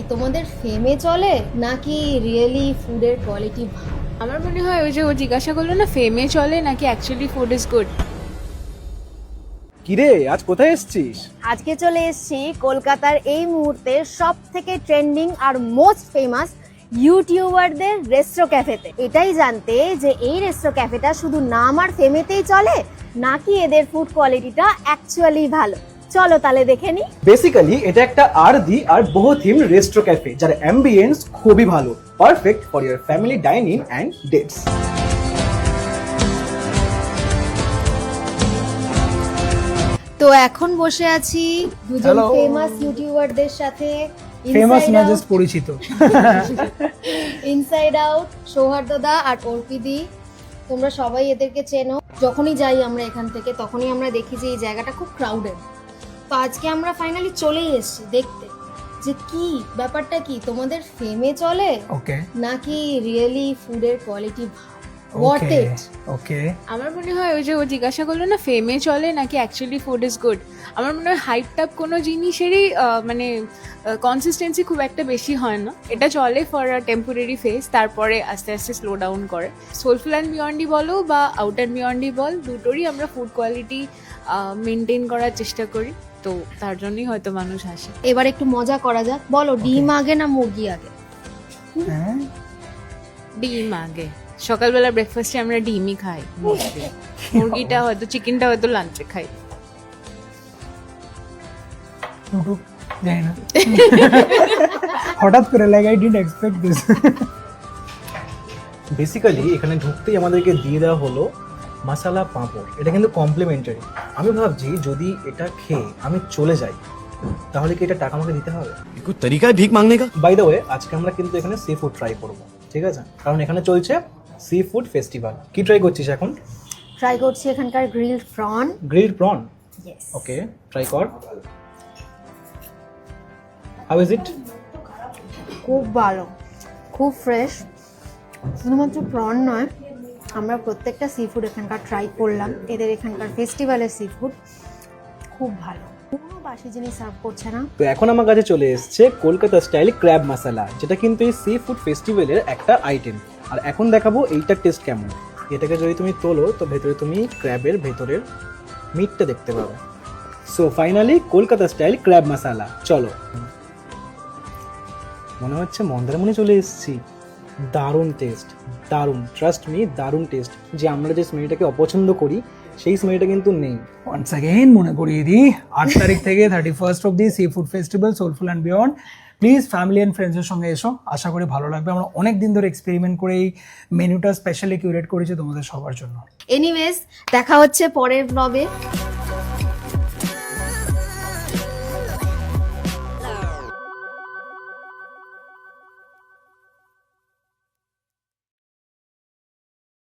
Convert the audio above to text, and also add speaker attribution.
Speaker 1: তোমাদের ফেমে চলে নাকি রিয়েলি ফুডের কোয়ালিটি ভালো?
Speaker 2: আমার মনে হয় ওই যে ও জিজ্ঞাসা করলো না ফেমে চলে নাকি অ্যাকচুয়ালি ফুড ইজ গুড।
Speaker 3: কিরে আজ কোথায় এসেছিস?
Speaker 1: আজকে চলে এসেছি কলকাতার এই মুহূর্তে সব থেকে ট্রেন্ডিং আর মোস্ট ফেমাস ইউটিউবারদের রেস্ট্রো ক্যাফেতে। এটাই জানতে যে এই রেস্ট্রো ক্যাফেটা শুধু নাম আর ফেমেতেই চলে নাকি এদের ফুড কোয়ালিটিটা অ্যাকচুয়ালি ভালো। চলো তাহলে দেখে নি।
Speaker 3: বেসিক্যালি এটা একটা আরদি আর বহু থিম রেস্ট্রো ক্যাফে যার অ্যাম্বিয়েন্স খুবই ভালো, perfect for your family dining and dates.
Speaker 1: তো এখন বসে আছি দুজন
Speaker 4: Hello.
Speaker 1: ফেমাস ইউটিউবারদের সাথে।
Speaker 4: ফেমাস না জাস্ট পরিচিত।
Speaker 1: ইনসাইড আউট, সৌহার্দ্যদা আর অর্পিদি, তোমরা সবাই এদেরকে চেনো। যখনই যাই আমরা এখান থেকে তখনই আমরা দেখি যে এই জায়গাটা খুব ক্রাউডেড। তো আজকে আমরা ফাইনালি চলেই এসেছি দেখতে যে কি ব্যাপারটা, কি তোমাদের ফেমে চলে
Speaker 4: ওকে
Speaker 1: নাকি রিয়েলি ফুডের কোয়ালিটি হোয়াট
Speaker 4: ওকে
Speaker 1: ইট।
Speaker 4: ওকে
Speaker 2: আমার মনে হয় ওই যে ও জিজ্ঞাসা করলো না ফেমে চলে নাকি অ্যাকচুয়ালি ফুড ইজ গুড। আমার মনে হয় হাইপ টাপ কোনো জিনিসেরই মানে কনসিস্টেন্সি খুব একটা বেশি হয় না। এটা চলে ফর আ টেম্পোরারি ফেজ, তারপরে আস্তে আস্তে স্লো ডাউন করে। সোলফুল অ্যান্ড বিয়ন্ডি বলো বা আউট অ্যান্ড বিয়ন্ডি বল, দুটোরই আমরা ফুড কোয়ালিটি মেনটেন করার চেষ্টা করি, তো তার জন্যই হয়তো মানুষ আসে।
Speaker 1: এবার একটু মজা করা যাক, বলো ডিম আগে না মুরগি আগে?
Speaker 4: হ্যাঁ
Speaker 2: ডিম আগে। সকালবেলা ব্রেকফাস্টে আমরা ডিমই খাই mostly। মুরগিটা হয়তো চিকেনটা হয়তো লাঞ্চে খাই।
Speaker 4: টুকটুক জানি না হঠাৎ করে like I didn't expect this.
Speaker 3: Basically এখানে ঢুকতেই আমাদেরকে দিয়ে দেওয়া হলো মশালা পাঁপড়। এটা কিন্তু কমপ্লিমেন্টারি। আমি ভাবছি যদি এটা খেয়ে আমি চলে যাই তাহলে কি এটা টাকা আমাকে দিতে হবে?
Speaker 5: कोई तरीका है भीख मांगने का?
Speaker 3: বাই দ্য ওয়ে আজকে আমরা কিন্তু এখানে সি ফুড ট্রাই করব, ঠিক আছে? কারণ এখানে চলছে সি ফুড ফেস্টিভ্যাল। কি ট্রাই করছিস এখন?
Speaker 1: ট্রাই করছি এখানকার grilled prawn.
Speaker 3: Grilled prawn.
Speaker 1: Yes.
Speaker 3: Okay, try কর। How is it?
Speaker 1: খুব ভালো, খুব ফ্রেশ। শুধুমাত্র প্রন নয়, আমরা প্রত্যেকটা সি ফুড এখানকার ট্রাই করলাম। এদের এখানকার ফেস্টিভ্যালের সি ফুড খুব ভালো, কোনো বাসি জিনিস সার্ভ করছে না।
Speaker 3: তো এখন আমার কাছে চলে এসেছে কলকাতা স্টাইল ক্র্যাব মশালা, যেটা কিন্তু এই সি ফুড ফেস্টিভ্যালের একটা আইটেম। আর এখন দেখাবো এইটার টেস্ট কেমন। এটাকে যদি তুমি তোলো তো ভেতরে তুমি ক্র্যাবের ভেতরের মিটটা দেখতে পাবে। So finally Kolkata style crab masala, চলো। মনে হচ্ছে মন্দারমণি চলে এসেছি। দারুণ টেস্ট, দারুণ, ট্রাস্ট মি, দারুণ টেস্ট। যে আমরা যে স্মেলটাকে অপছন্দ করি সেই স্মেলটা কিন্তু নেই।
Speaker 4: ওয়ান্স অ্যাগেন মনে করিয়ে দিই 8 তারিখ থেকে 31 অব্দি seafood festival soulful and beyond. Please family and ফ্রেন্ডসের সঙ্গে এসো, আশা করি ভালো লাগবে। আমরা অনেক দিন ধরে এক্সপেরিমেন্ট করে এই মেনুটা স্পেশালি কিউরেট করেছি তোমাদের সবার জন্য।
Speaker 1: এনিওয়েজ, দেখা হচ্ছে পরের ব্লগে।